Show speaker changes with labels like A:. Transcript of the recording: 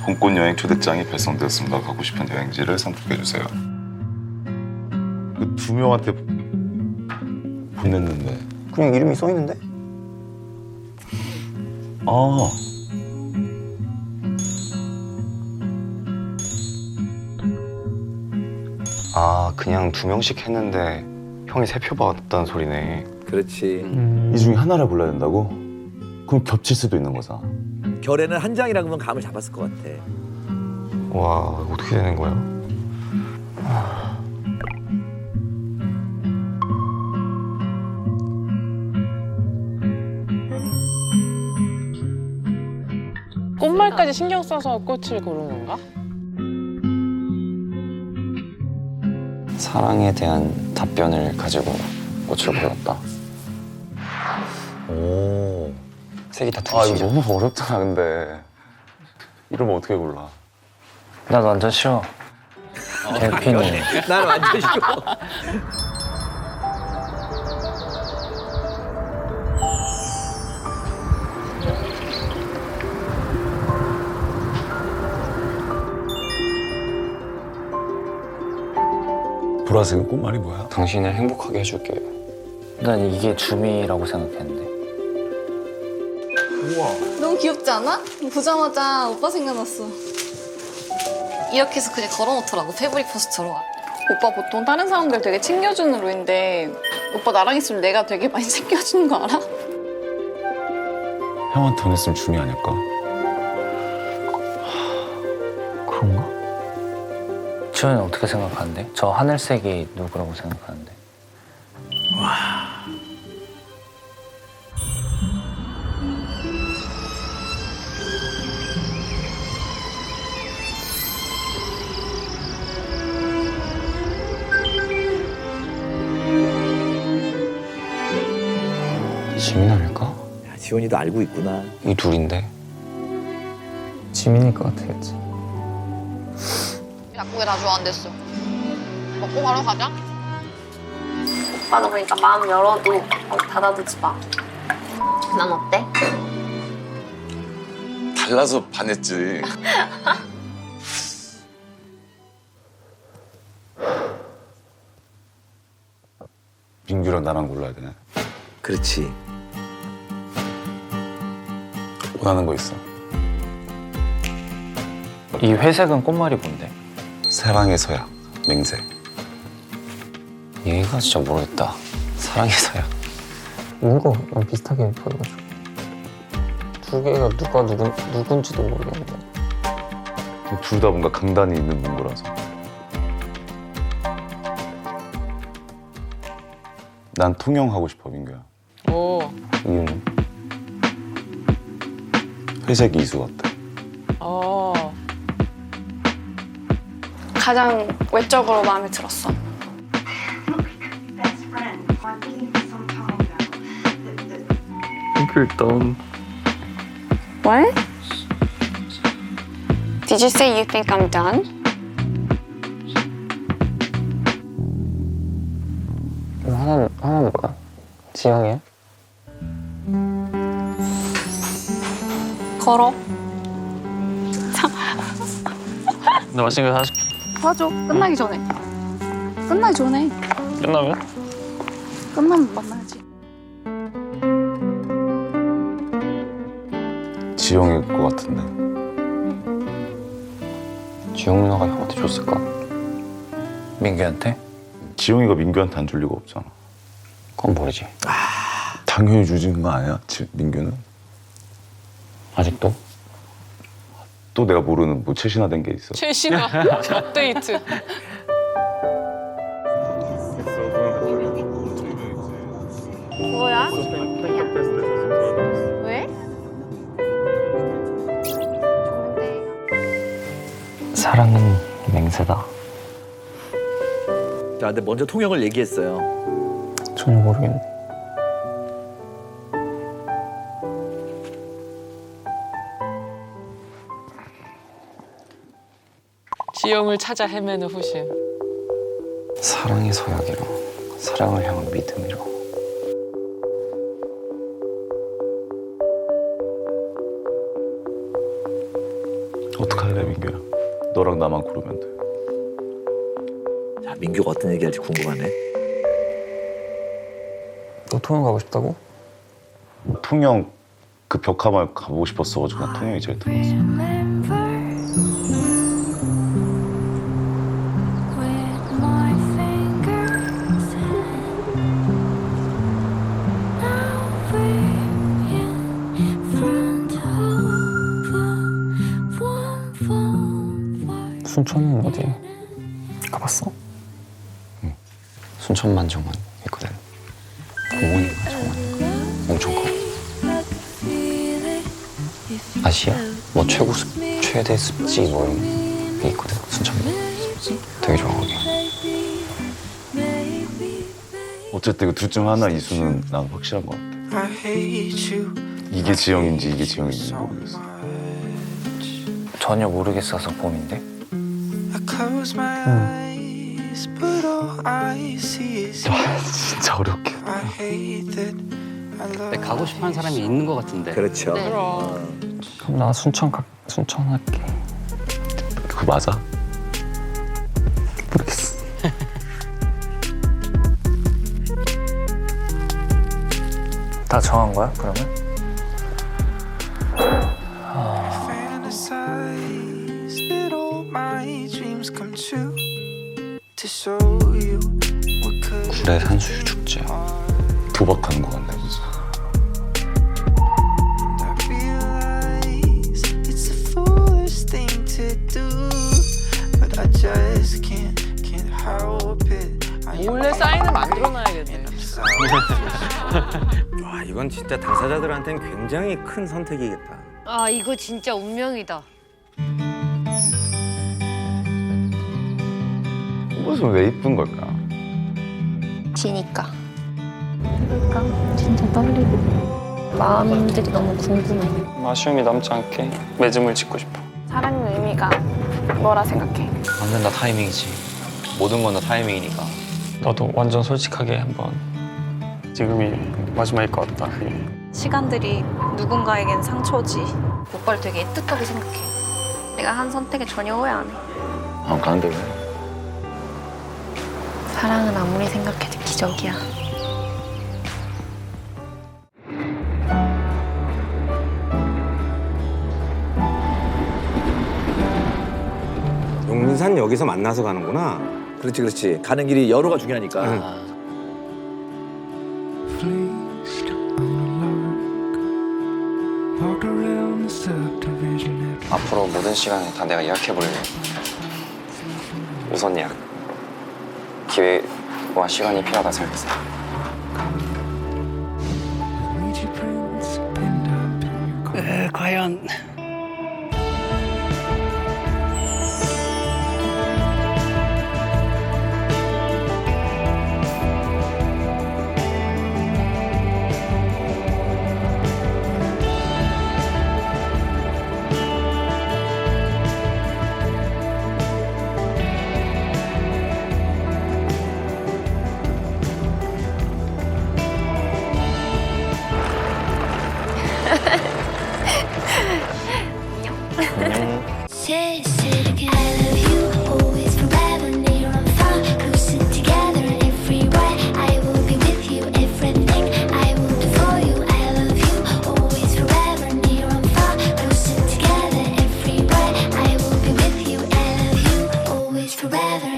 A: 봄꽃 여행 초대장이 발송되었습니다. 가고 싶은 여행지를 선택해주세요. 그 두 명한테 보냈는데.
B: 그냥 이름이 써 있는데?
A: 아.
B: 아, 그냥 2명씩 했는데 형이 3표 받았다는 소리네.
C: 그렇지.
A: 이 중에 하나를 골라야 된다고? 그럼 겹칠 수도 있는 거잖아.
C: 결에는 한 장이라 그러면 감을 잡았을 것 같아.
B: 와, 어떻게 되는 거야?
D: 꽃말까지 신경 써서 꽃을 고른 건가?
B: 사랑에 대한 답변을 가지고 꽃을 골랐다.
A: 오.
B: 색이 다
A: 아,
B: 틀리시죠?
A: 이거 너무 어렵잖아, 근데. 이러면 어떻게 골라?
B: 나 완전 싫어. 델핀이.
C: 난 완전 싫어.
A: 보라색은 꽃말이 뭐야?
B: 당신을 행복하게 해줄게요. 난 이게 주미라고 생각했는데.
E: 너무 귀엽지 않아? 보자마자 오빠 생각났어. 이렇게 해서 그냥 걸어놓더라고, 패브릭 포스터로. 오빠 보통 다른 사람들 되게 챙겨주는 로인데 오빠 나랑 있으면 내가 되게 많이 챙겨주는 거 알아?
A: 형한테 보냈으면 줌이 아닐까?
B: 그런가? 지현이는 어떻게 생각하는데? 저 하늘색이 누구라고 생각하는데? 지민 아닐까?
C: 야, 지원이도 알고 있구나.
B: 이 둘인데? 지민일 것 같아야지.
E: 약국에 다 좋아한댔어. 먹고 바로 가자. 오빠는 그러니까 마음 열어도 닫아두지 마. 난 어때?
A: 달라서 반했지. 민규랑 나랑 골라야 되네.
C: 그렇지.
A: 원하는 거 있어?
B: 이 회색은 꽃말이 뭔데?
A: 사랑의 서약, 맹세.
B: 얘가 진짜 모르겠다. 사랑의 서약. 이거 비슷하게 보여가지고. 두 개가 누군지도 모르겠는데.
A: 둘 다 뭔가 강단이 있는 문구라서. 난 통영하고 싶어, 민규야.
D: 오,
B: 이유는?
A: 회색 이수 같아.
D: 어.
E: 가장 외적으로 마음에 들었어.
F: best friend. I believe some time ago.
B: 일단
E: What? Did you say you think I'm done?
B: 하나는 뭐야? 지영이야?
E: 걸어.
B: 나 맛있는 거 사줄게.
E: 봐줘. 끝나기 전에. 끝나기 전에.
B: 끝나면?
E: 끝나면 만나야지.
A: 지영일 것 같은데.
B: 지영 누나가 형한테 줬을까? 민규한테?
A: 지영이가 민규한테 안 줄 리가 없잖아.
B: 그건 모르지.
A: 당연히 주진 거 아니야, 민규는?
B: 아직도?
A: 또 내가 모르는 뭐 최신화된 게 있어.
D: 최신화 업데이트.
E: 뭐야? 왜? 좋은데.
B: 사랑은 맹세다.
C: 자, 근데 먼저 통역을 얘기했어요.
B: 전혀 모르겠네.
D: 지영을 찾아 헤매는 후신.
B: 사랑의 서약이라. 사랑을 향한 믿음이라.
A: 어떡할래 민규야? 너랑 나만 고르면 돼.
C: 자, 민규가 어떤 얘기할지 궁금하네.
B: 너 통영 가고 싶다고?
A: 통영 그 벽화마을 가보고 싶었어가지고 난 통영이 제일 탐났어.
G: 순천은 어디 가봤어?
B: 순천만 정원 있거든. 공원인가 정원인가? 엄청 커. 아시아? 뭐 최대 습지 뭐 이런 게 있거든. 순천만. 되게 좋아 거기.
A: 어쨌든 둘 중 하나 이수는 난 확실한 것 같아. 이게 지영인지 이게 지영인지 모르겠어.
B: 전혀 모르겠어서 봄인데.
A: 진짜 어렵게.
H: 가고 싶어하는 사람이 있는 것 같은데.
C: 그렇죠.
G: 그럼 나 순천 할게.
A: 그거 맞아?
G: 모르겠어. 다 정한 거야 그러면?
B: 구례 산수유 축제.
A: 도박하는 것 같네 진짜.
D: 몰래 사인을 만들어놔야겠네.
I: 와, 이건 진짜 당사자들한테는 굉장히 큰 선택이겠다.
J: 아 이거 진짜 운명이다.
A: 옷은 왜 이쁜 걸까?
E: 지니까. 그러니까 진짜 떨리고 마음들이 너무 궁금해.
G: 아쉬움이 남지 않게 맺음을 짓고 싶어.
D: 사랑의 의미가 뭐라 생각해?
B: 완전 다 타이밍이지. 모든 건 다 타이밍이니까.
G: 너도 완전 솔직하게 한번 지금이 마지막일 것 같다.
E: 시간들이 누군가에겐 상처지. 오빠를 되게 애틋하게 생각해. 내가 한 선택에 전혀 후회 안 해.
A: 안 가는데 왜?
E: 사랑은 아무리 생각해도 기적이야.
I: 용민산역에서 만나서 가는구나.
C: 그렇지, 그렇지. 가는 길이 여로가 중요하니까.
B: 앞으로 모든 시간을 다 내가 예약해버릴래. 우선 예약. 기회와 시간이 필요하다 생각했어.
H: 과연
J: Say it again, I love you.